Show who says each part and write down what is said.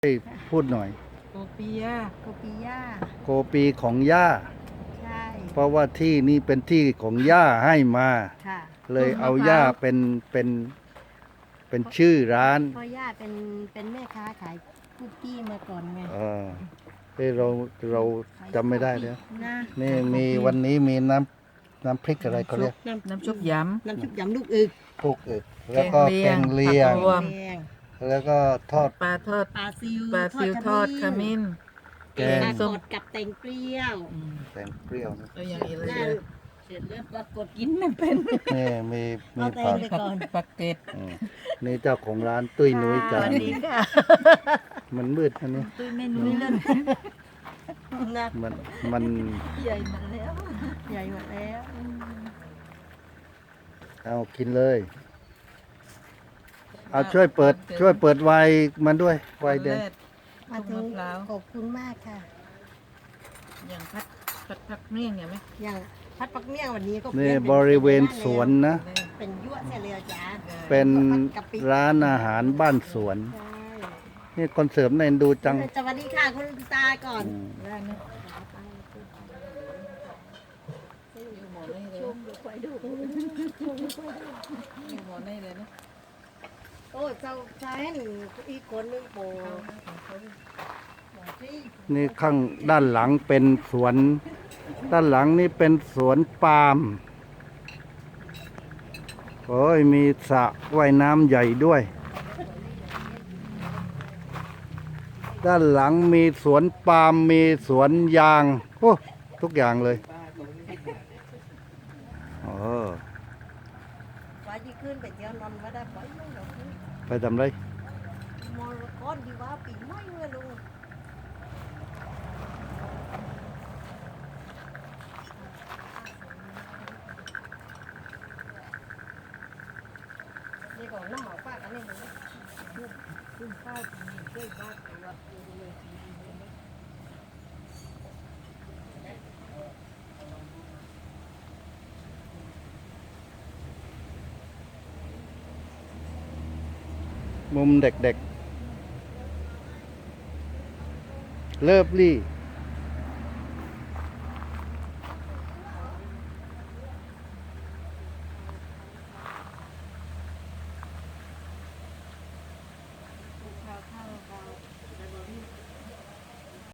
Speaker 1: ให้พูดหน่อย
Speaker 2: โกปียา
Speaker 3: โกปิย่า
Speaker 1: โกปีของย่า
Speaker 3: ใช่
Speaker 1: เพราะว่าที่นี่เป็นที่ของย่าให้มา
Speaker 3: ค่ะ
Speaker 1: เลยเอาย่าเป็นชื่อร้าน
Speaker 3: เพราะย่าเป็นแม่ค้าขายคุกกี้มาก่อนไง
Speaker 1: ที่เราจำไม่ได้แล้ว
Speaker 3: นะ
Speaker 1: นี่มีวันนี้มีน้ำพริกอะไรเขาเรียก
Speaker 2: น้ำชุบยำ
Speaker 3: น้ำชุบยำลูกอึก
Speaker 1: ลูกอึกแล้วก็แกงเลียง
Speaker 2: รวม
Speaker 1: แล้วก็ทอด
Speaker 2: ปลาทอด
Speaker 3: ปลาซิว
Speaker 2: ทอดขมิ้น
Speaker 1: แกง
Speaker 3: ส้มกับแตงเปรี้ยว
Speaker 1: แกงเปรี้ยวนะ
Speaker 2: แล้วอย่างอีกเลย
Speaker 3: เสร็จแล้วปรากฏกินไม่เป็น
Speaker 1: นี่มี
Speaker 2: ผักเกต
Speaker 1: นี่เจ้าของร้านตุ้ยนุ้ยจานมันมืดอันนี้
Speaker 3: ตุ้ยไม่นุ้ยเลย
Speaker 1: มัน
Speaker 3: ใหญ่หมดแล้วใหญ่หมดแล้ว
Speaker 1: เอากินเลยเอาช่วยเปิดไวน์มันด้วยไวน์แดง
Speaker 3: มาถึงขอบคุณมากค่ะ
Speaker 2: อย่างผักเมี่ยงอย่างไหม
Speaker 3: อย่างพัดปักเมี่ยงวันนี้ก็
Speaker 1: นี่บริเวณสวนนะ
Speaker 3: เป็นยั่วเสียเลยจ้า
Speaker 1: เป็นร้านอาหารบ้านสวนนี่คนเสริมในดูจัง
Speaker 3: สวัสดีค่ะคุณตาก่อนโอ้เจ้าชายหนึ่งอีกคนนึงโป
Speaker 1: นี่ข้างด้านหลังเป็นสวนด้านหลังนี่เป็นสวนปาล์มโอ้ยมีสระว่ายน้ำใหญ่ด้วยด้านหลังมีสวนปาล์มมีสวนยางโอ้ทุกอย่างเลย
Speaker 3: ว่ายี่ขึ้นไปเที่ยวนอนไม่ได้
Speaker 1: ไปทำไร
Speaker 3: มอลก้อนดีว่าปีไม่เมื่อลุงนี่ก่อนน้ำหมอกป้ากันนี่เลยขึ้นข้าวมีเส้นบ้านตัว
Speaker 1: มุมเด็กๆเลิฟลี่